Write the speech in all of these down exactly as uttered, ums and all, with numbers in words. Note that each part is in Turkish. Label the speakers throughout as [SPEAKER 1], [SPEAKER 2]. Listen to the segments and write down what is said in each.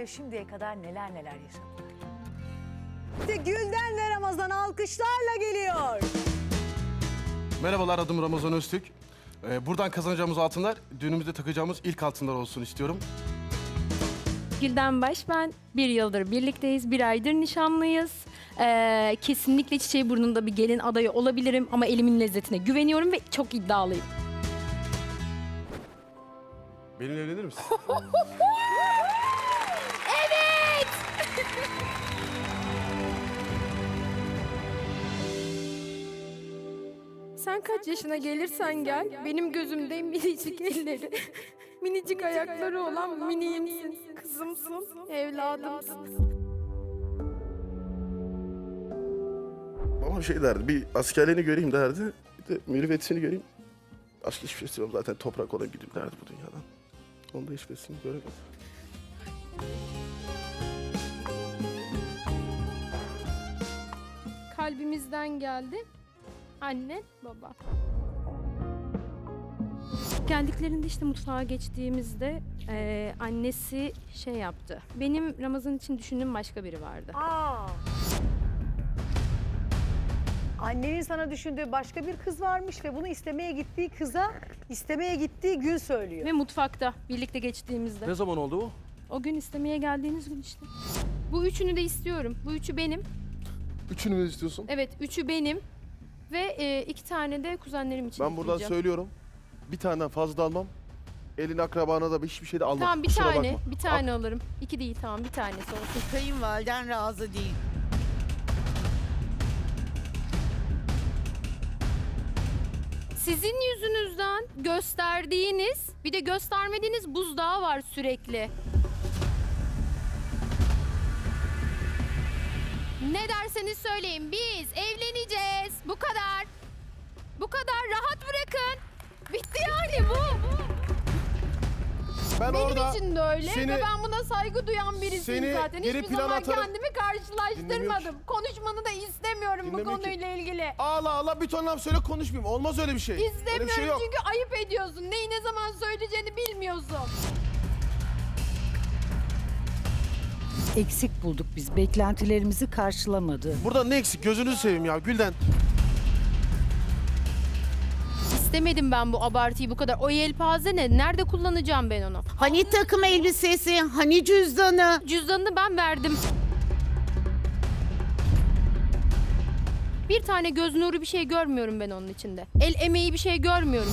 [SPEAKER 1] ve şimdiye kadar neler neler yaşadılar. İşte Gülden ve Ramazan alkışlarla geliyor.
[SPEAKER 2] Merhabalar, adım Ramazan Öztürk. Ee, buradan kazanacağımız altınlar düğünümüzde takacağımız ilk altınlar olsun istiyorum.
[SPEAKER 3] Gülden Baş ben. Bir yıldır birlikteyiz, bir aydır nişanlıyız. Ee, kesinlikle çiçeği burnunda bir gelin adayı olabilirim ama elimin lezzetine güveniyorum ve çok iddialıyım.
[SPEAKER 2] Benimle evlenir misin?
[SPEAKER 3] Evet! Sen kaç yaşına gelirsen gel, benim gözümde minicik elleri, minicik ayakları olan miniğimsin, kızımsın, evladımsın.
[SPEAKER 2] Babam şey derdi, bir askerliğini göreyim derdi. Bir de mürüvvetini göreyim. Başka hiçbir şey istemem, zaten toprak olayım gideyim derdi bu dünyadan. Onda hiçbirisini göremedim.
[SPEAKER 3] Kalbimizden geldi. Anne, baba. Geldiklerinde işte mutfağa geçtiğimizde eee, annesi şey yaptı. Benim Ramazan için düşündüğüm başka biri vardı.
[SPEAKER 1] Aa. Annenin sana düşündüğü başka bir kız varmış ve bunu istemeye gittiği kıza istemeye gittiği gün söylüyor.
[SPEAKER 3] Ve mutfakta birlikte geçtiğimizde.
[SPEAKER 2] Ne zaman oldu bu?
[SPEAKER 3] O gün istemeye geldiğiniz gün işte. Bu üçünü de istiyorum. Bu üçü benim.
[SPEAKER 2] Üçünü mü istiyorsun?
[SPEAKER 3] Evet, üçü benim. Ve e, iki tane de kuzenlerim için
[SPEAKER 4] Ben buradan
[SPEAKER 3] isteyeceğim.
[SPEAKER 4] söylüyorum. Bir taneden fazla da almam. Elin akrabana da hiçbir şey de almam.
[SPEAKER 3] Tamam bir
[SPEAKER 4] Kusura
[SPEAKER 3] tane,
[SPEAKER 4] bakma.
[SPEAKER 3] bir tane alırım. İki değil tamam bir tanesi olsun.
[SPEAKER 5] Kayınvaliden razı değil.
[SPEAKER 3] Sizin yüzünüzden gösterdiğiniz, bir de göstermediğiniz buzdağı var sürekli. Ne derseniz söyleyin, biz evleneceğiz. Bu kadar. Bu kadar, rahat bırakın. Bitti yani bu.
[SPEAKER 4] Ben
[SPEAKER 3] Benim
[SPEAKER 4] orada
[SPEAKER 3] için de öyle
[SPEAKER 4] seni-
[SPEAKER 3] ve ben buna saygı duyan birisiyim
[SPEAKER 4] seni
[SPEAKER 3] zaten.
[SPEAKER 4] geri
[SPEAKER 3] Hiçbir
[SPEAKER 4] plana
[SPEAKER 3] zaman
[SPEAKER 4] atarım.
[SPEAKER 3] kendimi
[SPEAKER 4] Dinlemiyor
[SPEAKER 3] karşılaştırmadım. Konuşmanı da istemiyorum bu
[SPEAKER 4] Dinlemiyor ki.
[SPEAKER 3] konuyla ilgili.
[SPEAKER 4] ağla ağla bir ton laf söyle konuşmayayım. Olmaz öyle bir şey. Öyle bir
[SPEAKER 3] İstemiyorum
[SPEAKER 4] şey yok.
[SPEAKER 3] çünkü ayıp ediyorsun. Neyi ne zaman söyleyeceğini bilmiyorsun.
[SPEAKER 5] Eksik bulduk biz. Beklentilerimizi karşılamadı.
[SPEAKER 4] Burada ne eksik? Gözünüzü seveyim ya Gülden.
[SPEAKER 3] İstemedim ben bu abartıyı bu kadar. O yelpaze ne? Nerede kullanacağım ben onu?
[SPEAKER 5] Hani takım elbisesi, hani cüzdanı.
[SPEAKER 3] Cüzdanını ben verdim. Bir tane göz nuru bir şey görmüyorum ben onun içinde. El emeği bir şey görmüyorum.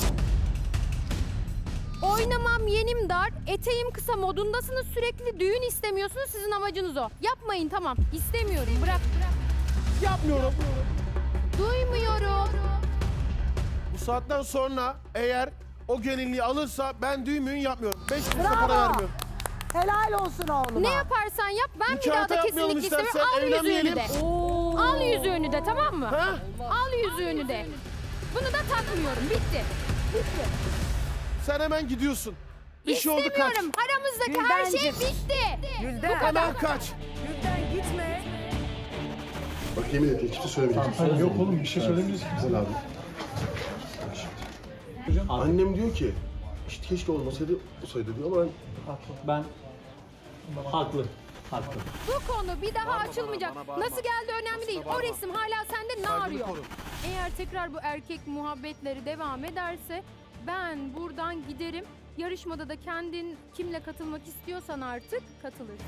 [SPEAKER 3] Oynamam yenim dar, eteğim kısa modundasınız sürekli. Düğün istemiyorsunuz, sizin amacınız o. Yapmayın tamam. İstemiyorum. Bırak bırak.
[SPEAKER 4] Yapmıyorum.
[SPEAKER 3] Duymuyorum.
[SPEAKER 4] Bu saatten sonra eğer o gelinliği alırsa ben düğün müğün yapmıyorum. Beş kuruş da para vermiyorum.
[SPEAKER 1] Helal olsun oğluma.
[SPEAKER 3] Ne yaparsan yap ben bir
[SPEAKER 4] Nikahta
[SPEAKER 3] daha da
[SPEAKER 4] yapmayalım
[SPEAKER 3] kesinlikle
[SPEAKER 4] istersen,
[SPEAKER 3] istemiyorum. Al yüzüğünü
[SPEAKER 4] evlenmeyelim.
[SPEAKER 3] de. Al yüzüğünü de tamam mı?
[SPEAKER 4] Ha?
[SPEAKER 3] Al yüzüğünü de. Bunu da takmıyorum. Bitti.
[SPEAKER 4] Sen hemen gidiyorsun. Bir şey oldu kaç.
[SPEAKER 3] İstemiyorum. Aramızdaki her şey
[SPEAKER 1] Güldencim.
[SPEAKER 3] bitti.
[SPEAKER 1] Gülden,
[SPEAKER 4] Hemen kaç.
[SPEAKER 1] Gülden gitme.
[SPEAKER 2] Bak yemin et hiçbir şey söylemeyeceksin.
[SPEAKER 6] Yok oğlum bir şey söylemeyeceğiz.
[SPEAKER 2] Güzel abi. Annem diyor ki, işte keşke olmasaydı, olsaydı diyor ama ben...
[SPEAKER 6] Haklı. Ben haklı. Haklı.
[SPEAKER 3] Bu konu bir daha
[SPEAKER 4] Bağırma
[SPEAKER 3] açılmayacak.
[SPEAKER 4] bana, bana bağırma.
[SPEAKER 3] Nasıl geldi önemli değil. O
[SPEAKER 4] bağırma.
[SPEAKER 3] resim hala sende ne
[SPEAKER 4] Saygını
[SPEAKER 3] arıyor?
[SPEAKER 4] koru.
[SPEAKER 3] Eğer tekrar bu erkek muhabbetleri devam ederse ben buradan giderim. Yarışmada da kendin kimle katılmak istiyorsan artık katılırsın.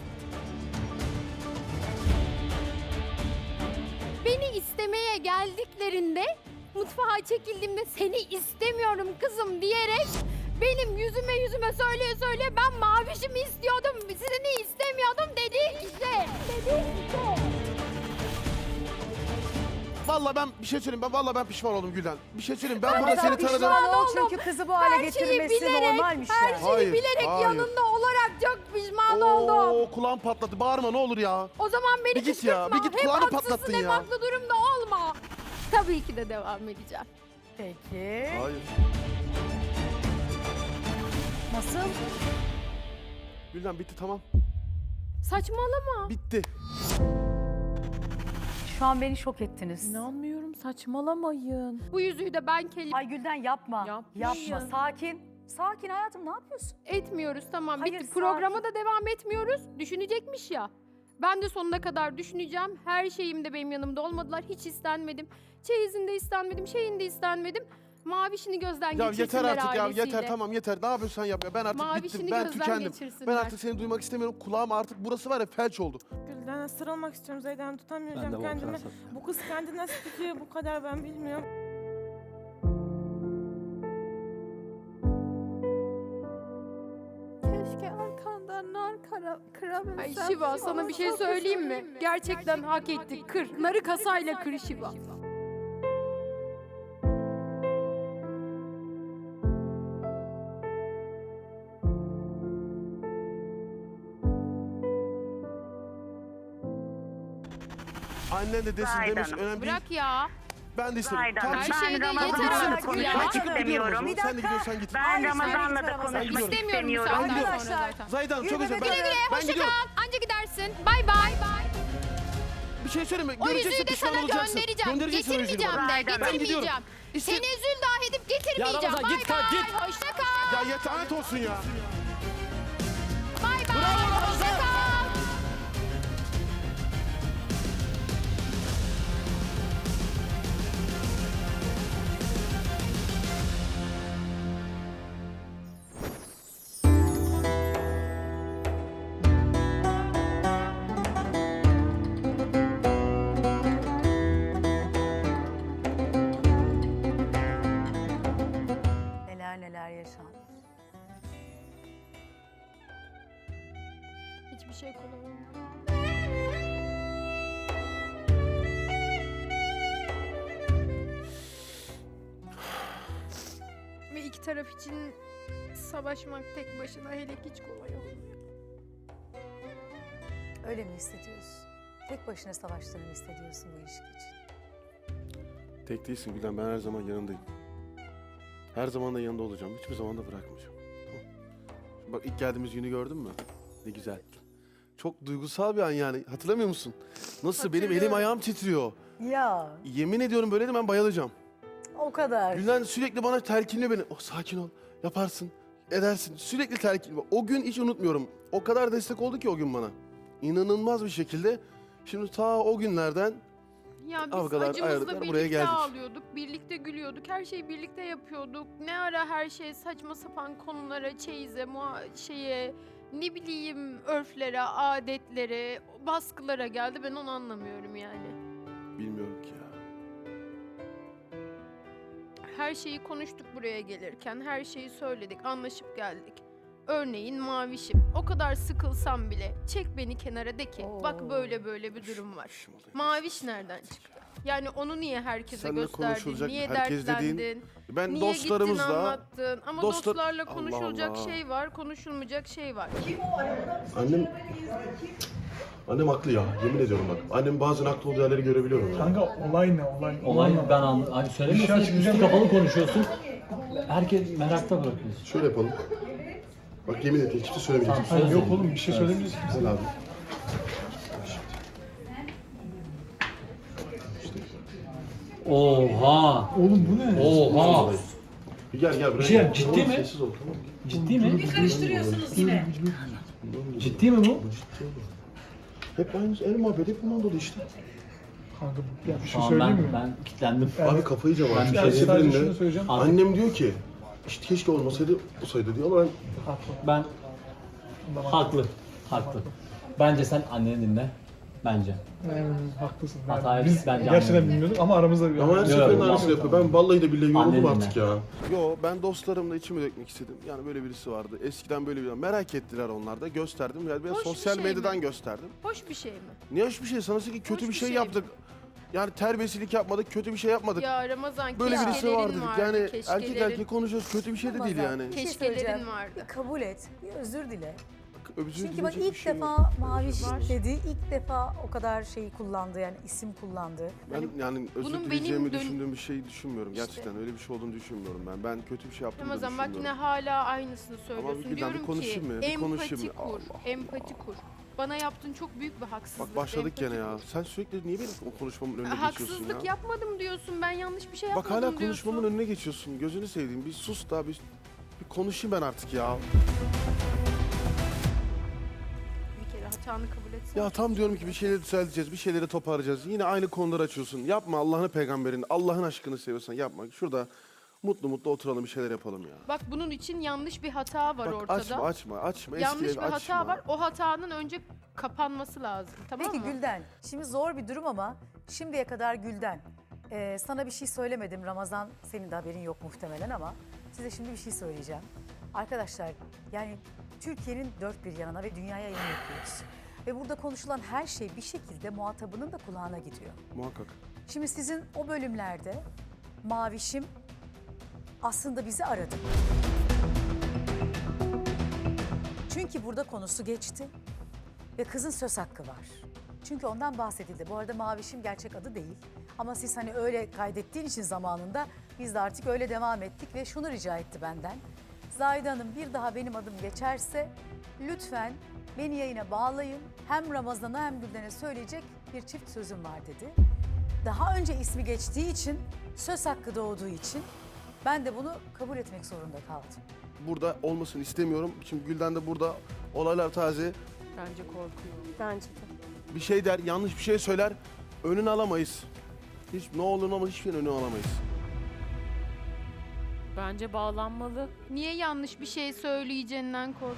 [SPEAKER 3] Beni istemeye geldiklerinde mutfağa çekildiğimde seni istemiyorum kızım diyerek benim yüzüme yüzüme söyleye söyleye ben mavişimi istiyordum, seni istemiyordum dedi işte. Dedi işte.
[SPEAKER 4] Vallahi ben bir şey söyleyeyim. Ben vallahi ben pişman oldum Gülden. Bir şey söyleyeyim. Ben,
[SPEAKER 1] Ben
[SPEAKER 4] burada seni
[SPEAKER 1] pişman
[SPEAKER 4] tanıdım.
[SPEAKER 1] ol çünkü kızı bu hale
[SPEAKER 3] Her şeyi
[SPEAKER 1] getirmesi
[SPEAKER 3] bilerek,
[SPEAKER 1] normalmiş
[SPEAKER 3] her
[SPEAKER 1] yani.
[SPEAKER 3] şeyi
[SPEAKER 4] Hayır,
[SPEAKER 3] bilerek
[SPEAKER 4] hayır.
[SPEAKER 3] yanında olarak çok pişman oldum.
[SPEAKER 4] Oo kulağım patladı. Bağırma ne olur ya.
[SPEAKER 3] O zaman beni
[SPEAKER 4] Bir git ya,
[SPEAKER 3] kışkırtma.
[SPEAKER 4] bir git,
[SPEAKER 3] Hem
[SPEAKER 4] kulağını
[SPEAKER 3] haksızsın
[SPEAKER 4] patlattın
[SPEAKER 3] hem
[SPEAKER 4] ya.
[SPEAKER 3] haklı durumda olma. Tabii ki de devam edeceğim.
[SPEAKER 1] Peki.
[SPEAKER 4] Hayır.
[SPEAKER 1] Nasıl?
[SPEAKER 4] Gülden bitti tamam.
[SPEAKER 3] Saçmalama.
[SPEAKER 4] Bitti.
[SPEAKER 1] Şu an beni şok ettiniz.
[SPEAKER 7] İnanmıyorum, saçmalamayın.
[SPEAKER 3] Bu yüzüğü de ben kelim.
[SPEAKER 1] Ay Gülden yapma.
[SPEAKER 7] Yapmayın.
[SPEAKER 1] Yapma. Sakin. Sakin hayatım, ne yapıyorsun?
[SPEAKER 3] Etmiyoruz tamam
[SPEAKER 1] Hayır,
[SPEAKER 3] bitti.
[SPEAKER 1] sakin.
[SPEAKER 3] Programa da devam etmiyoruz. Düşünecekmiş ya. Ben de sonuna kadar düşüneceğim. Her şeyimde benim yanımda olmadılar. Hiç istenmedim. Çeyizinde istenmedim, şeyinde istenmedim. Mavişini gözden
[SPEAKER 4] Ya
[SPEAKER 3] geçirsinler
[SPEAKER 4] yeter artık ya
[SPEAKER 3] ailesiyle.
[SPEAKER 4] yeter tamam yeter. Ne yapıyorsan yap ya. Ben artık
[SPEAKER 3] Mavişini
[SPEAKER 4] bittim. Ben
[SPEAKER 3] gözden
[SPEAKER 4] tükendim.
[SPEAKER 3] geçirsinler.
[SPEAKER 4] Ben artık seni duymak istemiyorum. Kulağım artık burası var ya felç oldu.
[SPEAKER 7] Gülden sarılmak istiyorum Zeydan
[SPEAKER 6] Ben
[SPEAKER 7] tutamayacağım
[SPEAKER 6] de
[SPEAKER 7] kendimi.
[SPEAKER 6] Volkan'a
[SPEAKER 7] Bu kız kendini nasıl tutuyor bu kadar ben bilmiyorum.
[SPEAKER 3] Keşke arkandan nar kara, kırabilsem. Ay Şiva sana bir şey söyleyeyim mi? Gerçekten hak ettik. Kır. Narı kasayla kır Şiva.
[SPEAKER 4] Annen de desin demiş önemli değil.
[SPEAKER 3] Bırak ya.
[SPEAKER 4] Ben de istemiyorum.
[SPEAKER 8] Zahide Hanım,
[SPEAKER 3] Her
[SPEAKER 8] ben
[SPEAKER 3] şeyde
[SPEAKER 8] Ramazan'la
[SPEAKER 3] yeter
[SPEAKER 8] da
[SPEAKER 3] artık ya.
[SPEAKER 8] konuşmak
[SPEAKER 4] Ben çıkıp gidiyorum o
[SPEAKER 8] istemiyorum.
[SPEAKER 4] zaman.
[SPEAKER 1] Bir
[SPEAKER 4] Sen de
[SPEAKER 1] dakika.
[SPEAKER 4] gidiyorsan git.
[SPEAKER 8] Ben
[SPEAKER 1] Hayır,
[SPEAKER 8] Ramazan'la
[SPEAKER 1] sen
[SPEAKER 8] da
[SPEAKER 1] git
[SPEAKER 8] konuşmak
[SPEAKER 4] Ramazan.
[SPEAKER 3] İstemiyorum bu
[SPEAKER 8] istemiyorum.
[SPEAKER 3] saatten sonra
[SPEAKER 1] Arkadaşlar,
[SPEAKER 3] zaten.
[SPEAKER 4] Zahide Hanım çok
[SPEAKER 1] Yürü
[SPEAKER 4] özür
[SPEAKER 1] be,
[SPEAKER 4] dilerim.
[SPEAKER 3] Güle güle,
[SPEAKER 4] Ben
[SPEAKER 3] hoşça
[SPEAKER 4] gidiyorum.
[SPEAKER 3] kal. Anca gidersin. Bay bay. bay.
[SPEAKER 4] Bir şey söyleme.
[SPEAKER 3] O
[SPEAKER 4] Göreceksin,
[SPEAKER 3] yüzüğü de
[SPEAKER 4] pişman
[SPEAKER 3] sana
[SPEAKER 4] olacaksın.
[SPEAKER 3] göndereceğim.
[SPEAKER 4] Göndereceksin o yüzüğünü
[SPEAKER 3] Getirmeyeceğim
[SPEAKER 4] bana.
[SPEAKER 3] de.
[SPEAKER 8] Ben
[SPEAKER 4] gidiyorum.
[SPEAKER 3] Getirmeyeceğim.
[SPEAKER 4] İste-
[SPEAKER 3] Seni üzül daha edip getirmeyeceğim.
[SPEAKER 6] Ramazan,
[SPEAKER 3] Bay
[SPEAKER 6] git kalk,
[SPEAKER 3] bay.
[SPEAKER 6] git.
[SPEAKER 3] Hoşça kal.
[SPEAKER 4] Ya yeter lanet olsun ya.
[SPEAKER 3] Bay bay. Hoşça kal.
[SPEAKER 1] Neler neler yaşandı.
[SPEAKER 3] Hiçbir şey kolay olmadı. Ve iki taraf için savaşmak tek başına hele hiç kolay olmuyor.
[SPEAKER 1] Öyle mi hissediyorsun? Tek başına savaştığını hissediyorsun bu ilişki için.
[SPEAKER 2] Tek değilsin Gülden, ben her zaman yanındayım. Her zaman da yanında olacağım. Hiçbir zaman da bırakmayacağım. Tamam. Şimdi bak ilk geldiğimiz günü gördün mü? Ne güzel. Çok duygusal bir an yani. Hatırlamıyor musun? Nasıl benim elim ayağım titriyor.
[SPEAKER 1] Ya
[SPEAKER 2] Yemin ediyorum böyle de ben bayılacağım.
[SPEAKER 1] o kadar.
[SPEAKER 2] Gülden sürekli bana telkinliyor beni. Oh, sakin ol. Yaparsın. Edersin. Sürekli telkin. O gün hiç unutmuyorum. O kadar destek oldu ki o gün bana. İnanılmaz bir şekilde. Şimdi ta o günlerden
[SPEAKER 3] Ya biz
[SPEAKER 2] Kavgalar,
[SPEAKER 3] acımızla
[SPEAKER 2] ayrılıklar, buraya
[SPEAKER 3] birlikte
[SPEAKER 2] geldik.
[SPEAKER 3] ağlıyorduk, birlikte gülüyorduk, her şeyi birlikte yapıyorduk. Ne ara her şey saçma sapan konulara, çeyize, muha- şeye, ne bileyim örflere, adetlere, baskılara geldi. Ben onu anlamıyorum yani.
[SPEAKER 2] bilmiyorum ki ya.
[SPEAKER 3] Her şeyi konuştuk buraya gelirken, her şeyi söyledik, anlaşıp geldik. Örneğin Mavişim. O kadar sıkılsam bile çek beni kenara de ki
[SPEAKER 1] Oo.
[SPEAKER 3] bak böyle böyle bir durum var.
[SPEAKER 2] İşim oluyor.
[SPEAKER 3] Maviş nereden çıktı? Yani onu niye herkese
[SPEAKER 2] Seninle
[SPEAKER 3] gösterdin?
[SPEAKER 2] konuşulacak
[SPEAKER 3] Niye
[SPEAKER 2] herkes dediğin-
[SPEAKER 3] dertlendin?
[SPEAKER 2] Ben
[SPEAKER 3] Niye
[SPEAKER 2] dostlarımızla
[SPEAKER 3] gittin anlattın? Ama
[SPEAKER 2] dostlar-
[SPEAKER 3] dostlarla
[SPEAKER 2] Allah
[SPEAKER 3] konuşulacak
[SPEAKER 2] Allah.
[SPEAKER 3] şey var, konuşulmayacak şey var.
[SPEAKER 2] annem annem haklı ya. Yemin ediyorum bak. Annem bazen haklı olduğu yerleri görebiliyorum ya.
[SPEAKER 6] Kanka olay ne olay? Olay ben anladım. Hani söylemiyorsun üstü kapalı konuşuyorsun. Herkes merakta bırakıyorsun.
[SPEAKER 2] Şöyle yapalım. Bak yemin ederim hiçbir şey söylemeyeceğim.
[SPEAKER 6] Hayır, yok oğlum bir şey söylemeyeceğiz ki.
[SPEAKER 2] Güzel abi.
[SPEAKER 6] Oha! Oğlum bu ne? Oha!
[SPEAKER 2] Bir gel gel buraya.
[SPEAKER 6] Bir şey
[SPEAKER 2] gel.
[SPEAKER 6] ciddi
[SPEAKER 2] Tamam,
[SPEAKER 6] mi?
[SPEAKER 2] Sessiz ol tamam.
[SPEAKER 6] Ciddi mi?
[SPEAKER 1] Karıştırıyorsunuz yine.
[SPEAKER 6] Ciddi mi bu?
[SPEAKER 2] Bu ciddi oğlum. Hep aynı el muhabbeti hep bundan dolayı işte.
[SPEAKER 9] Kanka ya bir şey
[SPEAKER 6] Tamam
[SPEAKER 9] söyleyeyim
[SPEAKER 6] ben,
[SPEAKER 9] mi?
[SPEAKER 6] ben kilitlendim.
[SPEAKER 2] Abi kafayı yiyeceğim
[SPEAKER 6] Ben
[SPEAKER 2] artık.
[SPEAKER 6] bir
[SPEAKER 2] Her
[SPEAKER 6] şey
[SPEAKER 9] Yani sadece şunu
[SPEAKER 2] seferinde
[SPEAKER 9] söyleyeceğim.
[SPEAKER 2] annem diyor ki işte keşke olmasaydı olsaydı diyor ama ben
[SPEAKER 9] Haklı.
[SPEAKER 6] Ben
[SPEAKER 9] Tamam.
[SPEAKER 6] haklı. Haklı. Bence sen anneni dinle. Bence.
[SPEAKER 9] Yani, haklısın. Yani
[SPEAKER 6] Hatayı
[SPEAKER 9] biz
[SPEAKER 6] bence
[SPEAKER 9] gerçekten
[SPEAKER 6] anladım.
[SPEAKER 9] bilmiyorduk ama aramızda bir
[SPEAKER 2] ama her
[SPEAKER 6] Yok,
[SPEAKER 2] seferinde
[SPEAKER 6] yok.
[SPEAKER 2] aynısını yapıyor. Ben vallahi de billahi yoruldum
[SPEAKER 6] Annem
[SPEAKER 2] artık
[SPEAKER 6] dinle.
[SPEAKER 2] ya. Yo ben dostlarımla içimi dökmek istedim. Yani böyle birisi vardı. Eskiden böyle bir merak ettiler onlar da. Gösterdim. Yani ben
[SPEAKER 3] Hoş bir
[SPEAKER 2] sosyal
[SPEAKER 3] şey
[SPEAKER 2] medyadan
[SPEAKER 3] mi?
[SPEAKER 2] gösterdim.
[SPEAKER 3] Hoş bir şey mi?
[SPEAKER 2] Ne hoş bir şey. Sanırsın ki kötü
[SPEAKER 3] Hoş
[SPEAKER 2] bir
[SPEAKER 3] bir
[SPEAKER 2] şey,
[SPEAKER 3] şey
[SPEAKER 2] yaptık. Yani terbiyesizlik yapmadık, kötü bir şey yapmadık.
[SPEAKER 3] Ya Ramazan
[SPEAKER 2] Böyle birisi
[SPEAKER 3] keşkelerin
[SPEAKER 2] var dedik.
[SPEAKER 3] vardı,
[SPEAKER 2] Yani erkek
[SPEAKER 3] keşkelerin.
[SPEAKER 2] erkek konuşuyoruz. Kötü bir şey de değil
[SPEAKER 1] Ramazan,
[SPEAKER 2] yani.
[SPEAKER 1] bir şey
[SPEAKER 3] Keşkelerin
[SPEAKER 1] söyleyeceğim.
[SPEAKER 3] vardı.
[SPEAKER 1] Bir kabul et, bir özür dile.
[SPEAKER 2] Özür
[SPEAKER 1] Çünkü bak
[SPEAKER 2] dileyecek
[SPEAKER 1] ilk
[SPEAKER 2] bir şey yok.
[SPEAKER 1] defa Maviş
[SPEAKER 3] Var.
[SPEAKER 1] dedi, ilk defa o kadar şeyi kullandı yani isim kullandı.
[SPEAKER 2] Ben yani özür
[SPEAKER 3] bunun
[SPEAKER 2] dileyeceğimi
[SPEAKER 3] benim dön-
[SPEAKER 2] düşündüğüm bir şey düşünmüyorum.
[SPEAKER 3] İşte.
[SPEAKER 2] Gerçekten öyle bir şey olduğunu düşünmüyorum ben. Ben kötü bir şey yaptığımı da
[SPEAKER 3] Ramazan bak yine
[SPEAKER 2] düşünmüyorum.
[SPEAKER 3] hala aynısını söylüyorsun.
[SPEAKER 2] bir- bir
[SPEAKER 3] Diyorum ki
[SPEAKER 2] konuşayım mı? Bir
[SPEAKER 3] empati
[SPEAKER 2] konuşayım mı?
[SPEAKER 3] kur,
[SPEAKER 2] Allah
[SPEAKER 3] empati kur. Bana yaptığın çok büyük bir haksızlık.
[SPEAKER 2] Bak başladık
[SPEAKER 3] empati
[SPEAKER 2] gene ya.
[SPEAKER 3] kur.
[SPEAKER 2] Sen sürekli niye benim o konuşmamın önüne geçiyorsun
[SPEAKER 3] Haksızlık
[SPEAKER 2] ya?
[SPEAKER 3] yapmadım diyorsun. Ben yanlış bir şey
[SPEAKER 2] Bak
[SPEAKER 3] yapmadım
[SPEAKER 2] hala
[SPEAKER 3] diyorsun.
[SPEAKER 2] konuşmamın önüne geçiyorsun. Gözünü seveyim. Bir sus da bir, Bir konuşayım ben artık ya.
[SPEAKER 3] Bir kere hatanı kabul etsene.
[SPEAKER 2] Ya tam diyorum ki bir şeyleri düzelteceğiz, bir şeyleri toparlayacağız. Yine aynı konuları açıyorsun. Yapma Allah'ını peygamberini, Allah'ın aşkını seviyorsan yapma. Şurada mutlu mutlu oturalım bir şeyler yapalım ya.
[SPEAKER 3] Bak bunun için yanlış bir hata var
[SPEAKER 2] Bak
[SPEAKER 3] ortada.
[SPEAKER 2] açma açma açma.
[SPEAKER 3] Yanlış
[SPEAKER 2] eskileri
[SPEAKER 3] bir
[SPEAKER 2] açma.
[SPEAKER 3] hata var. O hatanın önce kapanması lazım. Tamam
[SPEAKER 1] Peki
[SPEAKER 3] mı?
[SPEAKER 1] Gülden, şimdi zor bir durum ama şimdiye kadar Gülden, e, sana bir şey söylemedim Ramazan, senin de haberin yok muhtemelen ama size şimdi bir şey söyleyeceğim. Arkadaşlar yani Türkiye'nin dört bir yanına ve dünyaya yayın yapıyoruz. Ve burada konuşulan her şey bir şekilde muhatabının da kulağına gidiyor.
[SPEAKER 2] Muhakkak.
[SPEAKER 1] Şimdi sizin o bölümlerde Mavişim aslında bizi aradı. Çünkü burada konusu geçti ve kızın söz hakkı var. Çünkü ondan bahsedildi. Bu arada Mavişim gerçek adı değil. Ama siz hani öyle kaydettiğin için zamanında biz de artık öyle devam ettik ve şunu rica etti benden. Zahide Hanım bir daha benim adım geçerse lütfen beni yayına bağlayın. Hem Ramazan'a hem Gülden'e söyleyecek bir çift sözüm var dedi. Daha önce ismi geçtiği için, söz hakkı doğduğu için ben de bunu kabul etmek zorunda kaldım.
[SPEAKER 2] Burada olmasını istemiyorum. Şimdi Gülden de burada olaylar taze.
[SPEAKER 7] Bence korkuyor. Bence de.
[SPEAKER 2] Bir şey der, yanlış bir şey söyler. Önünü alamayız. Hiç ne olur ne olmaz hiçbir şeyin önünü alamayız.
[SPEAKER 7] Bence bağlanmalı.
[SPEAKER 3] Niye yanlış bir şey söyleyeceğinden korkuyorsun?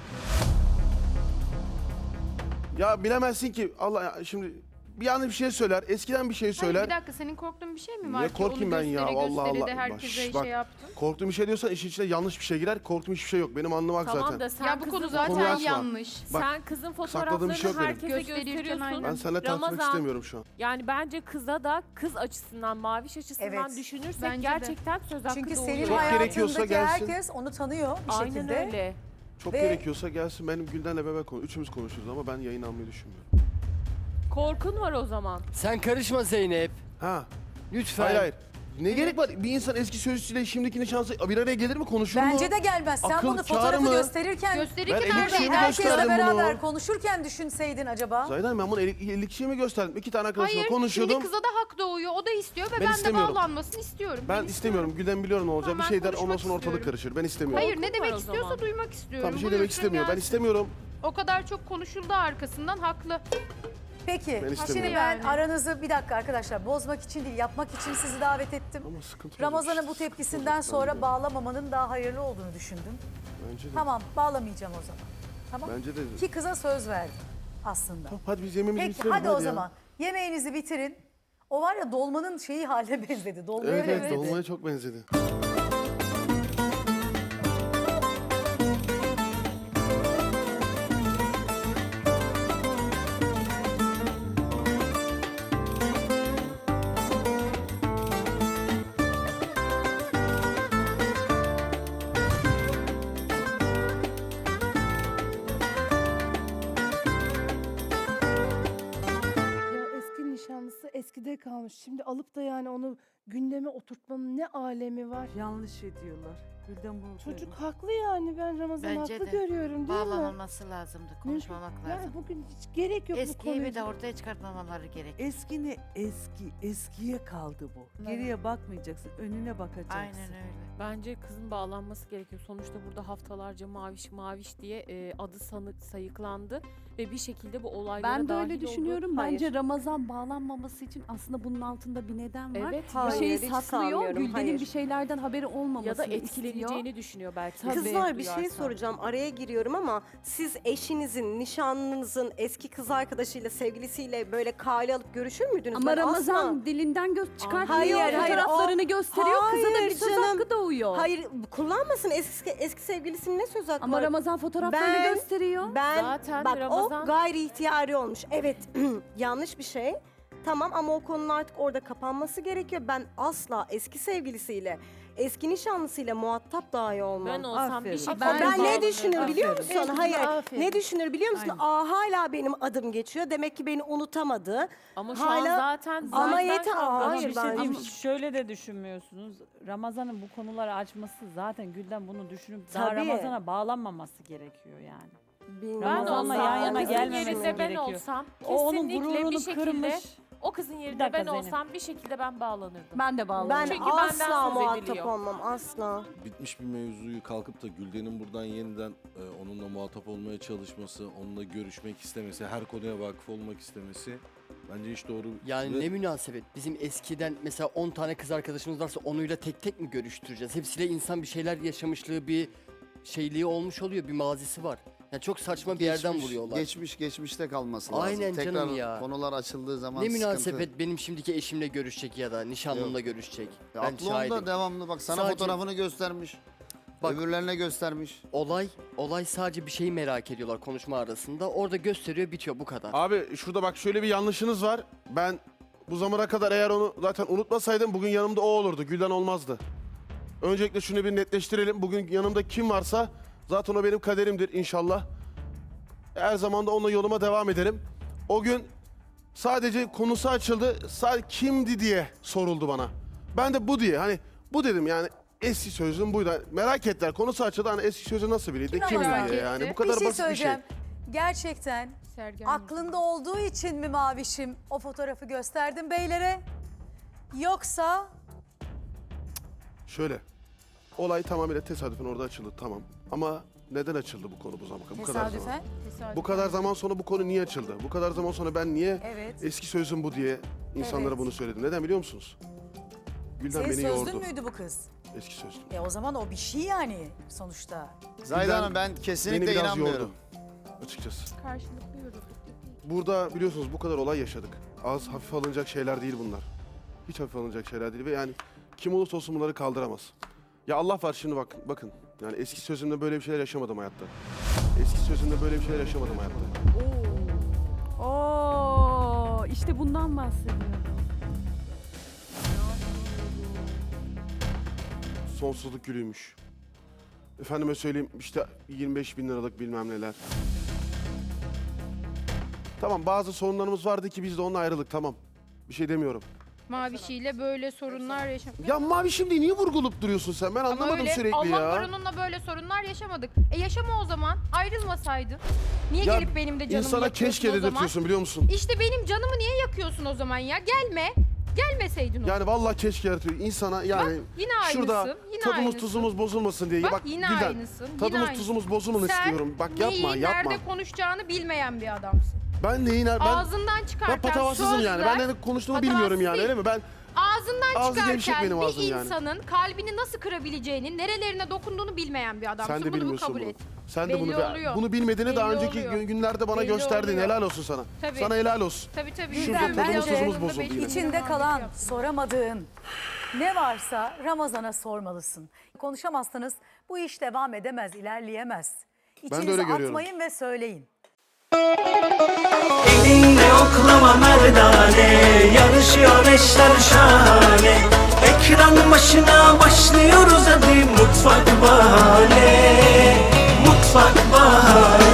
[SPEAKER 2] Ya bilemezsin ki Allah ya şimdi bir yanlış bir şey söyler, eskiden bir şey söyler.
[SPEAKER 3] Hayır bir dakika senin korktuğun bir şey mi var
[SPEAKER 2] Niye
[SPEAKER 3] ki?
[SPEAKER 2] korkayım
[SPEAKER 3] Onu
[SPEAKER 2] ben ya?
[SPEAKER 3] göstere
[SPEAKER 2] Allah
[SPEAKER 3] göstere
[SPEAKER 2] Allah.
[SPEAKER 3] de herkese
[SPEAKER 2] Baş- bak,
[SPEAKER 3] şey yaptın.
[SPEAKER 2] Korktuğum bir şey diyorsan işin içine yanlış bir şey girer. Korktuğum hiçbir şey yok. Benim anlamak
[SPEAKER 7] Tamam
[SPEAKER 2] zaten.
[SPEAKER 7] da sen
[SPEAKER 3] Ya bu
[SPEAKER 7] kızın
[SPEAKER 3] konu
[SPEAKER 2] Konuyu
[SPEAKER 3] zaten
[SPEAKER 2] açma.
[SPEAKER 3] yanlış.
[SPEAKER 2] Bak,
[SPEAKER 7] sen kızın
[SPEAKER 2] sakladığım
[SPEAKER 7] fotoğraflarını
[SPEAKER 2] bir şey yok benim.
[SPEAKER 7] herkese
[SPEAKER 3] Gösterirken
[SPEAKER 7] gösteriyorsun.
[SPEAKER 3] aynen.
[SPEAKER 2] Ben seninle tartışmak
[SPEAKER 7] Ramazan,
[SPEAKER 2] istemiyorum şu an.
[SPEAKER 7] Yani bence kıza da kız açısından, Maviş açısından
[SPEAKER 1] Evet.
[SPEAKER 7] düşünürsek
[SPEAKER 3] Bence de.
[SPEAKER 7] gerçekten söz hakkı
[SPEAKER 1] Çünkü
[SPEAKER 7] doğuyor.
[SPEAKER 1] senin
[SPEAKER 2] Çok gerekiyorsa
[SPEAKER 1] hayatındaki
[SPEAKER 2] gelsin.
[SPEAKER 1] herkes onu tanıyor bir
[SPEAKER 7] Aynen
[SPEAKER 1] şekilde.
[SPEAKER 7] öyle.
[SPEAKER 2] Çok
[SPEAKER 1] Ve-
[SPEAKER 2] gerekiyorsa gelsin benim Gülden'le beraber konuş. Üçümüz konuşuruz ama ben yayın almayı düşünmüyorum.
[SPEAKER 7] Korkun var o zaman.
[SPEAKER 8] Sen karışma Zeynep.
[SPEAKER 2] Ha.
[SPEAKER 8] Lütfen.
[SPEAKER 2] Hayır hayır. Ne gerek var? Bir insan eski sözcüsüyle şimdikinin şansı bir araya gelir mi konuşur mu?
[SPEAKER 1] Bence de gelmez. Sen
[SPEAKER 2] Akıl
[SPEAKER 1] bunu
[SPEAKER 2] kârı
[SPEAKER 1] fotoğrafı
[SPEAKER 2] mı?
[SPEAKER 1] gösterirken
[SPEAKER 3] Gösterirken
[SPEAKER 2] Ben
[SPEAKER 3] nerede?
[SPEAKER 2] elli
[SPEAKER 1] herkesle
[SPEAKER 2] gösterdim
[SPEAKER 1] beraber
[SPEAKER 2] bunu.
[SPEAKER 1] konuşurken düşünseydin acaba.
[SPEAKER 2] Zahiden ben bunu elli kişiye mi gösterdim? İki tane arkadaşımla
[SPEAKER 3] Hayır
[SPEAKER 2] konuşuyordum.
[SPEAKER 3] şimdi kıza da hak doğuyor. O da istiyor ve
[SPEAKER 2] Ben
[SPEAKER 3] ben, de
[SPEAKER 2] istemiyorum.
[SPEAKER 3] bağlanmasını istiyorum.
[SPEAKER 2] Ben istemiyorum. Gülden biliyorum ne olacak.
[SPEAKER 3] Tamam,
[SPEAKER 2] bir şey
[SPEAKER 3] ben
[SPEAKER 2] der ondan
[SPEAKER 3] konuşmak
[SPEAKER 2] sonra ortalık
[SPEAKER 3] istiyorum.
[SPEAKER 2] karışır. Ben istemiyorum.
[SPEAKER 3] Hayır ne
[SPEAKER 7] Korkun var
[SPEAKER 3] demek
[SPEAKER 7] o
[SPEAKER 3] istiyorsa
[SPEAKER 7] zaman.
[SPEAKER 3] duymak istiyorum.
[SPEAKER 2] Tamam bir şey
[SPEAKER 3] Buyursun
[SPEAKER 2] demek istemiyor. Ben
[SPEAKER 3] gelsin.
[SPEAKER 2] istemiyorum.
[SPEAKER 3] O kadar çok konuşuldu arkasından haklı.
[SPEAKER 1] Peki
[SPEAKER 2] Ben
[SPEAKER 1] şimdi
[SPEAKER 2] istemiyorum.
[SPEAKER 1] ben
[SPEAKER 3] Yani.
[SPEAKER 1] aranızı bir dakika arkadaşlar bozmak için değil yapmak için sizi davet ettim.
[SPEAKER 2] Ama sıkıntı olacak.
[SPEAKER 1] Ramazan'ın bu tepkisinden
[SPEAKER 2] Olacak
[SPEAKER 1] sonra
[SPEAKER 2] bence.
[SPEAKER 1] bağlamamanın daha hayırlı olduğunu düşündüm.
[SPEAKER 2] Bence de.
[SPEAKER 1] Tamam bağlamayacağım o zaman. Tamam.
[SPEAKER 2] Bence de.
[SPEAKER 1] Ki kıza söz verdim aslında.
[SPEAKER 2] Tamam, hadi biz yemeğimizi
[SPEAKER 1] Peki
[SPEAKER 2] bitirelim.
[SPEAKER 1] hadi o
[SPEAKER 2] ya.
[SPEAKER 1] zaman yemeğinizi bitirin. O var ya dolmanın şeyi haline benzedi. Dolmaya
[SPEAKER 2] Evet evet
[SPEAKER 1] benzedi.
[SPEAKER 2] dolmaya çok benzedi.
[SPEAKER 10] Ya eski nişanlısı eskide kalmış. Şimdi alıp da yani onu gündeme oturtmanın ne alemi var?
[SPEAKER 5] Yanlış ediyorlar. Gülden bu.
[SPEAKER 10] Çocuk haklı yani ben Ramazan
[SPEAKER 5] Bence
[SPEAKER 10] haklı
[SPEAKER 5] de.
[SPEAKER 10] görüyorum değil mi?
[SPEAKER 5] Bağlanılması lazımdı. Konuşmamak
[SPEAKER 10] Mümkün-
[SPEAKER 5] lazım.
[SPEAKER 10] Yani bugün hiç gerek yok bu
[SPEAKER 5] Eskiyi
[SPEAKER 10] konuya.
[SPEAKER 5] bir de ortaya çıkartmamaları gerek.
[SPEAKER 11] Eski ne eski, eskiye kaldı bu. Geriye bakmayacaksın, önüne bakacaksın.
[SPEAKER 5] Aynen öyle.
[SPEAKER 7] Bence kızın bağlanması gerekiyor. Sonuçta burada haftalarca maviş maviş diye e, adı sanı, sayıklandı ve bir şekilde bu olaylara
[SPEAKER 12] Ben de
[SPEAKER 7] dahil
[SPEAKER 12] öyle
[SPEAKER 7] oldu.
[SPEAKER 12] düşünüyorum.
[SPEAKER 7] Hayır.
[SPEAKER 12] Bence Ramazan bağlanmaması için aslında bunun altında bir neden var.
[SPEAKER 7] Evet.
[SPEAKER 12] Bir
[SPEAKER 7] Hayır,
[SPEAKER 12] şeyi
[SPEAKER 7] hiç
[SPEAKER 12] saklıyor.
[SPEAKER 7] sanmıyorum,
[SPEAKER 12] Gülden'in
[SPEAKER 7] hayır.
[SPEAKER 12] bir şeylerden haberi olmamasını
[SPEAKER 7] ya da
[SPEAKER 12] istiyor.
[SPEAKER 7] etkileneceğini düşünüyor belki.
[SPEAKER 12] Tabii.
[SPEAKER 13] Kızlar bir şey
[SPEAKER 7] Duyarsa.
[SPEAKER 13] soracağım. Araya giriyorum ama siz eşinizin, nişanlınızın eski kız arkadaşıyla, sevgilisiyle böyle kale alıp görüşür müydünüz?
[SPEAKER 12] Ama
[SPEAKER 13] Ben
[SPEAKER 12] Ramazan
[SPEAKER 13] asla-
[SPEAKER 12] dilinden göz çıkartmıyor.
[SPEAKER 13] Hayır, hayır,
[SPEAKER 12] Fotoğraflarını
[SPEAKER 13] o-
[SPEAKER 12] gösteriyor. Kıza da
[SPEAKER 13] Hayır
[SPEAKER 12] bir söz
[SPEAKER 13] canım.
[SPEAKER 12] hakkı doğuyor.
[SPEAKER 13] Hayır, kullanmasın eski eski sevgilisinin ne söz hakkı
[SPEAKER 12] Ama
[SPEAKER 13] var?
[SPEAKER 12] Ramazan fotoğraflarını
[SPEAKER 13] Ben-
[SPEAKER 12] gösteriyor.
[SPEAKER 13] Ben
[SPEAKER 7] Zaten
[SPEAKER 13] bak
[SPEAKER 7] Ramazan-
[SPEAKER 13] o gayri ihtiyari olmuş. Evet, yanlış bir şey. Tamam ama o konunun artık orada kapanması gerekiyor. Ben asla eski sevgilisiyle, eski nişanlısıyla muhatap dahi olmam.
[SPEAKER 7] Ben olsam
[SPEAKER 11] Aferin.
[SPEAKER 7] bir şekilde
[SPEAKER 13] Ben, ne
[SPEAKER 7] bağlanırım.
[SPEAKER 13] düşünür biliyor
[SPEAKER 11] Aferin.
[SPEAKER 13] musun?
[SPEAKER 10] Evet,
[SPEAKER 13] Hayır.
[SPEAKER 10] aferin.
[SPEAKER 13] Ne düşünür biliyor musun?
[SPEAKER 11] Aynen.
[SPEAKER 13] Aa hala benim adım geçiyor. Demek ki beni unutamadı.
[SPEAKER 7] Ama şu
[SPEAKER 13] Hala-
[SPEAKER 7] an zaten
[SPEAKER 13] Ama
[SPEAKER 7] zaten
[SPEAKER 13] yeter.
[SPEAKER 7] kavga-
[SPEAKER 13] Aa,
[SPEAKER 7] Ama
[SPEAKER 13] hayır
[SPEAKER 7] bir şey
[SPEAKER 13] ben-
[SPEAKER 7] diyeyim.
[SPEAKER 11] Ama şöyle de düşünmüyorsunuz. Ramazan'ın bu konuları açması zaten Gülden bunu düşünüp daha
[SPEAKER 13] Tabii.
[SPEAKER 11] Ramazan'a bağlanmaması gerekiyor yani.
[SPEAKER 13] Bilmiyorum.
[SPEAKER 7] Ben
[SPEAKER 11] Ramazan'la
[SPEAKER 7] olsam,
[SPEAKER 11] yan yana
[SPEAKER 7] o kızın
[SPEAKER 11] gelmemesi
[SPEAKER 7] yerinde ben
[SPEAKER 11] gerekiyor.
[SPEAKER 7] olsam
[SPEAKER 11] O onun
[SPEAKER 7] kesinlikle
[SPEAKER 11] gururunu
[SPEAKER 7] bir şekilde
[SPEAKER 11] kırmış.
[SPEAKER 7] O kızın
[SPEAKER 11] Bir
[SPEAKER 7] yerinde
[SPEAKER 11] dakika
[SPEAKER 7] ben
[SPEAKER 11] Zeynep.
[SPEAKER 7] olsam bir şekilde ben bağlanırdım.
[SPEAKER 12] Ben de bağladım.
[SPEAKER 13] Ben
[SPEAKER 7] Çünkü benden
[SPEAKER 13] asla
[SPEAKER 7] söz
[SPEAKER 13] muhatap
[SPEAKER 7] ediliyor.
[SPEAKER 13] olmam asla.
[SPEAKER 14] Bitmiş bir mevzuyu kalkıp da Gülden'in buradan yeniden e, onunla muhatap olmaya çalışması, onunla görüşmek istemesi, her konuya vakıf olmak istemesi bence hiç doğru.
[SPEAKER 8] Yani
[SPEAKER 14] ve
[SPEAKER 8] ne münasebet. Bizim eskiden mesela on tane kız arkadaşımız varsa onuyla tek tek mi görüştüreceğiz? Hepsiyle insan bir şeyler yaşamışlığı, bir şeyliği olmuş oluyor, bir mazisi var. Yani çok saçma bir yerden
[SPEAKER 15] Geçmiş-
[SPEAKER 8] vuruyorlar.
[SPEAKER 15] Geçmiş geçmişte kalması lazım.
[SPEAKER 8] Aynen
[SPEAKER 15] Tekrar
[SPEAKER 8] canım ya.
[SPEAKER 15] konular açıldığı zaman
[SPEAKER 8] Ne
[SPEAKER 15] sıkıntı.
[SPEAKER 8] münasebet benim şimdiki eşimle görüşecek ya da nişanlımla görüşecek.
[SPEAKER 15] Ya
[SPEAKER 8] Ben
[SPEAKER 15] aklı
[SPEAKER 8] şahidim.
[SPEAKER 15] onda devamlı bak sana
[SPEAKER 8] Sadece-
[SPEAKER 15] fotoğrafını göstermiş.
[SPEAKER 8] Bak-
[SPEAKER 15] Öbürlerine göstermiş.
[SPEAKER 8] Olay, olay sadece bir şeyi merak ediyorlar konuşma arasında. Orada gösteriyor, bitiyor, bu kadar.
[SPEAKER 2] Abi şurada bak şöyle bir yanlışınız var. Ben bu zamana kadar eğer onu zaten unutmasaydım bugün yanımda o olurdu. Gülden olmazdı. Öncelikle şunu bir netleştirelim. Bugün yanımda kim varsa zaten o benim kaderimdir inşallah. Her zaman da onunla yoluma devam ederim. O gün sadece konusu açıldı. Sadece kimdi diye soruldu bana. Ben de bu diye hani bu dedim yani eski sözüm buydu. Hani merak ettiler konusu açıldı hani eski sözü nasıl biriydi
[SPEAKER 1] Kim
[SPEAKER 2] kimdi
[SPEAKER 1] merak
[SPEAKER 2] diye
[SPEAKER 7] etti?
[SPEAKER 2] yani bu
[SPEAKER 1] Bir
[SPEAKER 2] kadar
[SPEAKER 1] şey
[SPEAKER 2] basit bir şey.
[SPEAKER 1] söyleyeceğim. Gerçekten
[SPEAKER 7] Sergen
[SPEAKER 1] aklında olduğu için mi Mavişim o fotoğrafı gösterdin beylere? Yoksa
[SPEAKER 2] Şöyle, olay tamamıyla tesadüfen orada açıldı tamam. Ama neden açıldı bu konu bu zaman? Bu kadar zaman.
[SPEAKER 1] tesadüfen?
[SPEAKER 2] Bu kadar zaman sonra bu konu niye açıldı? Bu kadar zaman sonra ben niye
[SPEAKER 1] Evet.
[SPEAKER 2] eski sözüm bu diye insanlara
[SPEAKER 1] Evet.
[SPEAKER 2] bunu söyledim? Neden biliyor musunuz? Gülden
[SPEAKER 1] Senin
[SPEAKER 2] beni
[SPEAKER 1] sözlün
[SPEAKER 2] yordu.
[SPEAKER 1] müydü bu kız?
[SPEAKER 2] Eski sözlüm.
[SPEAKER 1] E o zaman o bir şey yani sonuçta.
[SPEAKER 15] Zahide
[SPEAKER 2] Gülden
[SPEAKER 15] Hanım ben
[SPEAKER 2] Beni
[SPEAKER 15] kesinlikle
[SPEAKER 2] biraz
[SPEAKER 15] inanmıyorum.
[SPEAKER 2] yordu. Açıkçası.
[SPEAKER 7] karşılıklı yürüdük.
[SPEAKER 2] Burada biliyorsunuz bu kadar olay yaşadık. Az hafif alınacak şeyler değil bunlar. Hiç hafif alınacak şeyler değil ve yani kim olursa olsun bunları kaldıramaz. Ya Allah var şimdi bak bakın. Yani eski sözümde böyle bir şeyler yaşamadım hayatta. Eski sözümde böyle bir şeyler yaşamadım hayatta.
[SPEAKER 12] Oo, işte bundan bahsediyorum.
[SPEAKER 2] Sonsuzluk gülüymüş. Efendime söyleyeyim işte yirmi beş bin liralık bilmem neler. Tamam bazı sorunlarımız vardı ki biz de onunla ayrılık tamam. Bir şey demiyorum.
[SPEAKER 3] Mavişiyle böyle sorunlar yaşamak.
[SPEAKER 2] Ya Mavi şimdi niye vurgulup duruyorsun sen? Ben anlamadım sürekli ya.
[SPEAKER 3] Allah onunla böyle sorunlar yaşamadık. E yaşama o zaman. Ayrılmasaydın. Niye
[SPEAKER 2] Ya
[SPEAKER 3] gelip benim de canımı
[SPEAKER 2] İnsana
[SPEAKER 3] yakıyorsun
[SPEAKER 2] keşke
[SPEAKER 3] o zaman?
[SPEAKER 2] dedirtiyorsun biliyor musun?
[SPEAKER 3] İşte benim canımı niye yakıyorsun o zaman ya? Gelme. Gelmeseydin o.
[SPEAKER 2] Yani vallahi keşke yaratıyor. İnsana yani
[SPEAKER 3] yine aynısın.
[SPEAKER 2] şurada
[SPEAKER 3] yine
[SPEAKER 2] tadımız
[SPEAKER 3] aynısın.
[SPEAKER 2] tuzumuz bozulmasın diye.
[SPEAKER 3] Bak,
[SPEAKER 2] Bak
[SPEAKER 3] yine
[SPEAKER 2] Gülden,
[SPEAKER 3] aynısın. yine
[SPEAKER 2] tadımız
[SPEAKER 3] aynısın.
[SPEAKER 2] tuzumuz bozulmasın
[SPEAKER 3] Sen
[SPEAKER 2] istiyorum. Bak yapma
[SPEAKER 3] neyi,
[SPEAKER 2] yapma.
[SPEAKER 3] nerede konuşacağını bilmeyen bir adamsın.
[SPEAKER 2] Ben neyin ben
[SPEAKER 3] Ağzından çıkarken
[SPEAKER 2] ben patavatsızım yani. Ben
[SPEAKER 3] sözler,
[SPEAKER 2] ne konuştuğumu
[SPEAKER 3] patavatsız
[SPEAKER 2] bilmiyorum yani
[SPEAKER 3] değil.
[SPEAKER 2] öyle mi? Ben
[SPEAKER 3] Ağzından
[SPEAKER 2] Ağzı gevşek
[SPEAKER 3] çıkarken
[SPEAKER 2] benim
[SPEAKER 3] bir
[SPEAKER 2] ağzım yani.
[SPEAKER 3] insanın kalbini nasıl kırabileceğini, nerelerine dokunduğunu bilmeyen bir adamsın.
[SPEAKER 2] sen de
[SPEAKER 3] Bunu bir
[SPEAKER 2] bilmiyorsun
[SPEAKER 3] kabul
[SPEAKER 2] bunu.
[SPEAKER 3] et.
[SPEAKER 2] Sen de
[SPEAKER 3] Belli
[SPEAKER 2] bunu
[SPEAKER 3] oluyor.
[SPEAKER 2] bunu bilmediğini daha
[SPEAKER 3] Belli
[SPEAKER 2] önceki
[SPEAKER 3] oluyor.
[SPEAKER 2] gün- günlerde bana
[SPEAKER 3] Belli
[SPEAKER 2] gösterdin.
[SPEAKER 3] oluyor.
[SPEAKER 2] Helal olsun sana.
[SPEAKER 3] Tabii.
[SPEAKER 2] Sana helal olsun.
[SPEAKER 3] Tabii tabii.
[SPEAKER 2] Şurada
[SPEAKER 1] Gülden,
[SPEAKER 2] tadımız
[SPEAKER 1] bence
[SPEAKER 2] tuzumuz bozuldu yine.
[SPEAKER 1] İçinde kalan, soramadığın ne varsa Ramazan'a sormalısın. Konuşamazsanız bu iş devam edemez, ilerleyemez.
[SPEAKER 2] de
[SPEAKER 1] İçinizi
[SPEAKER 2] öyle görüyorum.
[SPEAKER 1] atmayın ve söyleyin.
[SPEAKER 16] Elinle oklama merdane, yarışıyor eşler şahane. Ekran başına başlıyoruz hadi Mutfak Bahane, Mutfak Bahane.